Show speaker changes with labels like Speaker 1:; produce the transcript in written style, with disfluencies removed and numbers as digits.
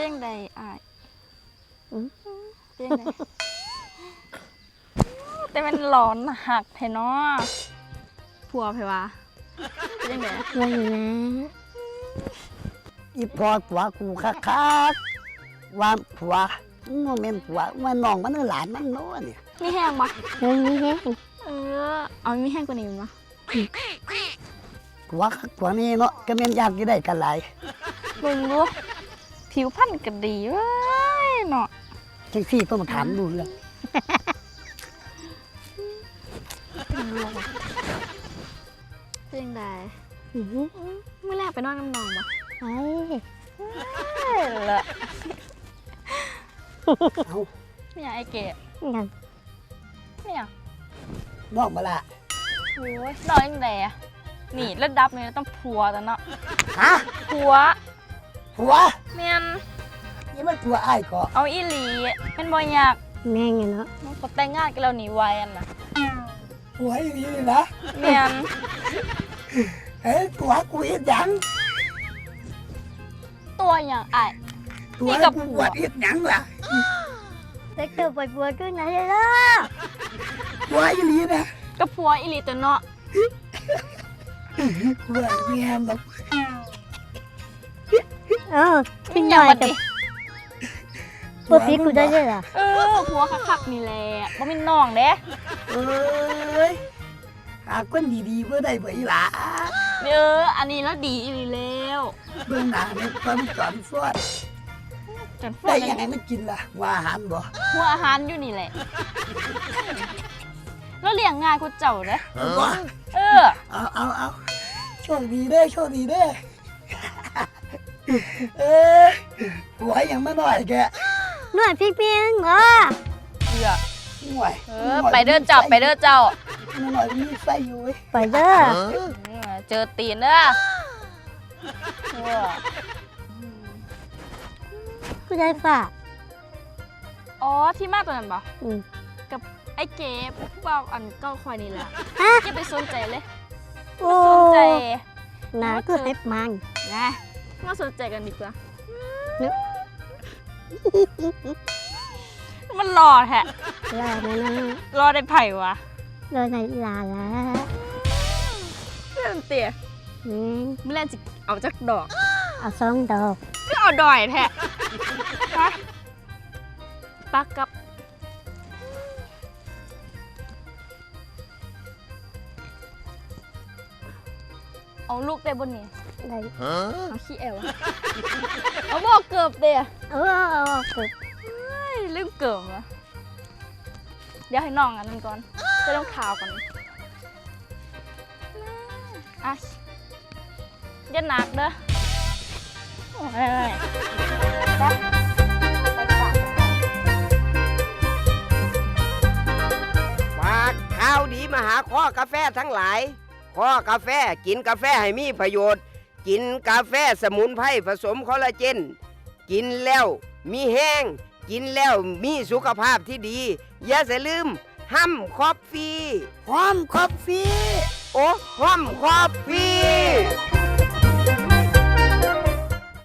Speaker 1: เป็นใดอ้ายเป็นใดแต่มันหลอนหักแท้เนาะผัวไผวะเป็นได
Speaker 2: ว่าอยู่นะ
Speaker 3: อีพอผัวกูคักว่าผัวโมเมนต์ผัวว่าน้องมันหลานมันโน่เนี่ย
Speaker 1: มีแห้งบ่
Speaker 2: นี่แห้ง
Speaker 1: เอามีแห้งกว่านี้บ่
Speaker 3: ผัวคักผัวนี่เนาะก็แม่นยากที่ได้กันหลาย
Speaker 1: เบิ่งดูผิวพรรณก็ดีเว้ยเนาะ
Speaker 3: จังซี่ต้องมาถามดูเรื่อง
Speaker 1: เป็นใดเมื่อแรกไปนอนน้ำนองบ่
Speaker 2: ไป
Speaker 1: ละ
Speaker 3: เอา
Speaker 1: ไม่อยากไอ้เก๋
Speaker 2: ยัง
Speaker 1: ไม่อยาก
Speaker 3: น้องมาละ
Speaker 1: โอ้ยนอนยังไงอะนี่ระดับนี้ต้องผัวแต่เนาะ
Speaker 3: ฮะ
Speaker 1: ผัว
Speaker 3: ผัว
Speaker 1: เมียน
Speaker 3: นี่มันผัวอ้ายก็
Speaker 1: เอาอีหลีเป็นบ่อยาก
Speaker 2: แม่งอยู่เนาะ
Speaker 1: มันก็แต่งงานกันแล้วหนีไวอันน่ะ
Speaker 3: ผัวอีนี่เลยนะ
Speaker 1: เมียน
Speaker 3: เอ้ยผัวกูอีหยัง
Speaker 1: ตัวอย่างไอ้าย
Speaker 3: ผัว
Speaker 1: นี่กับ
Speaker 3: กู
Speaker 1: ผั
Speaker 3: บ
Speaker 1: ว
Speaker 3: วชอีหยังล่ะ
Speaker 2: เด็กเติบปวดขึ้นไหนล่ะ
Speaker 3: ผัวอีนี่นะ
Speaker 1: กับผัวอีหลีตัวเนาะ
Speaker 3: ผัวเมียมัน
Speaker 2: ขึ้นห
Speaker 1: อย่า
Speaker 2: น่อย
Speaker 1: มา
Speaker 2: กับ
Speaker 1: ดิ
Speaker 2: พวกพี่กูได้เลยล่ะ
Speaker 1: ผัวคักๆนี่แหละบ่มีน้องเด้
Speaker 3: เอ้ยหาคนดีๆเพื่อได้บ่อีหล่ะ
Speaker 1: อันนี้แล้วดีอีหลีแล้ว
Speaker 3: เบื้องหน้าเนี่ยความจอนฟอด
Speaker 1: จน
Speaker 3: ได้
Speaker 1: ยั
Speaker 3: ยังไงมันกินล่ะว่าอาหารบ่
Speaker 1: หัวอาหารอยู่นี่แหละแล้วเลี้ยงง่ายกูเจ้าเด้
Speaker 3: บ่ เอาโชคดีเด้อโชคดีเด้อเอ้ยผัวยังไม่น้อยแก
Speaker 2: หน่วยพี่เพียงเหรอ
Speaker 1: เบื่อ
Speaker 3: ห่วย
Speaker 1: ไปเด้อเจ้าไปเด้อเจ้า
Speaker 3: ไม่น้อยมีไฟอยู่เว้ย
Speaker 2: ไปเด้อ
Speaker 1: เจอตีนเด้อ
Speaker 2: กูได้ฝ่า
Speaker 1: อ๋อที่มาตัวนั้นปะ
Speaker 2: อืม
Speaker 1: กับไอ้เก๋ผู้บ่าวอันเก้าควายนี่แหละ
Speaker 2: ฮะ
Speaker 1: อย่าไปสนใจเลย
Speaker 2: โอ้
Speaker 1: สนใจ
Speaker 2: หนาก็เฮ็ดมัน
Speaker 1: นะมาสนใจกันดีกว่ามันรอแท้
Speaker 2: ลาแล้วนะ
Speaker 1: รอได้ไผ่วะ
Speaker 2: รอในลาแล้ว
Speaker 1: เรื่องเตี๋ย
Speaker 2: อืม
Speaker 1: ไม่เล่นจะเอาจักดอก
Speaker 2: เอาสองดอก
Speaker 1: ก็เอาดอยแท้ฮะปักกับเอาลูกได้บนนี้
Speaker 2: ได้
Speaker 1: เอาขี้แอวเอาบอกเกือบเตี๋ย
Speaker 2: เออเกิด
Speaker 1: ลืมเกิบเหรอเดี๋ยวให้น้องอันนั้นก่อนจะต้องข่าวก่อนอ่ะอย่าหนักเด้อโอ้ยไปไปฝาก
Speaker 4: ฝากข่าวดีมาหาข้อกาแฟทั้งหลายข้อกาแฟกินกาแฟให้มีประโยชน์ กินกาแฟสมุนไพรผสมคอลลาเจน กินแล้วมีแห้ง กินแล้วมีสุขภาพที่ดี อย่าลืมห้ำคอฟฟี่
Speaker 3: หอมคอฟฟี่
Speaker 4: โอ้ห้ำคอฟฟี่